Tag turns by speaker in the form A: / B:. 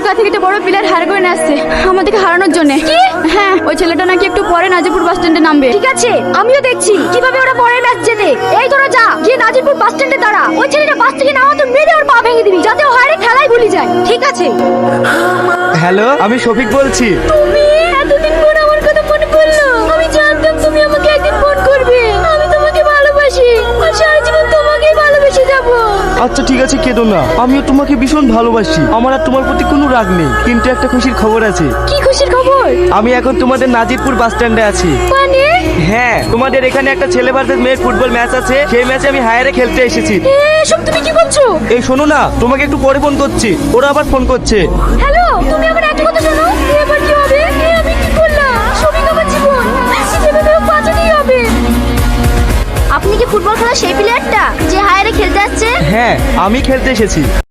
A: কলকাতা থেকে একটা বড় প্লেয়ার হায়ার করে নিয়ে আসছে আমাদেরকে হারানোর জন্য। কি? হ্যাঁ, ওই ছেলেটা নাকি একটু পরে নাজিরপুর বাস স্ট্যান্ডে নামবে।
B: ঠিক আছে, আমিও দেখছি কিভাবে ওরা পরের ম্যাচ জেতে। এই তোরা যা, গিয়ে নাজিরপুর বাস স্ট্যান্ডে দাঁড়া। ওই ছেলেটা বাস থেকে নামা তো মেরে ওর পা ভেঙে দিবি, যাতে ও হারে খেলাই ভুলে যায়। ঠিক আছে।
C: হ্যালো, আমি শফিক বলছি।
B: তুমি এতদিন পর আমার কথা মনে পড়লো। আমি জানতাম তুমি আমাকে একদিন ফোন করবে। আমি তোমাকে ভালোবাসি আর সারা জীবন তোমাকেই ভালোবেসে যাবো।
C: আচ্ছা ঠিক আছে, কেঁদো না। আমিও তোমাকে ভীষণ ভালোবাসি। আমার আর তোমার প্রতি কোনো রাগ নেই, কিন্তু একটা খুশির খবর আছে।
B: কি খুশির খবর?
C: আমি এখন তোমাদের নাজিরপুর বাস স্ট্যান্ডে আছি।
B: মানে?
C: হ্যাঁ, তোমাদের এখানে একটা ছেলে ভার্সেস মেয়ের ফুটবল ম্যাচ আছে। সেই ম্যাচে আমি হায়ারে খেলতে এসেছি।
B: এসব তুমি কি বলছো?
C: এই শোনো না, তোমাকে একটু পরে ফোন করছি। ওরা আবার ফোন করছে।
B: হ্যালো, তুমি আমার একটা কথা শোনো। এবার কি হবে? আমি কি করলাম? সবই আমার জীবন, যেভাবে হোক বাঁচাতেই হবে। আপনি কি ফুটবল খেলা সেই প্লেয়ারটা যে হায়ারে খেলতে আসছে?
C: হ্যাঁ, আমি খেলতে এসেছি।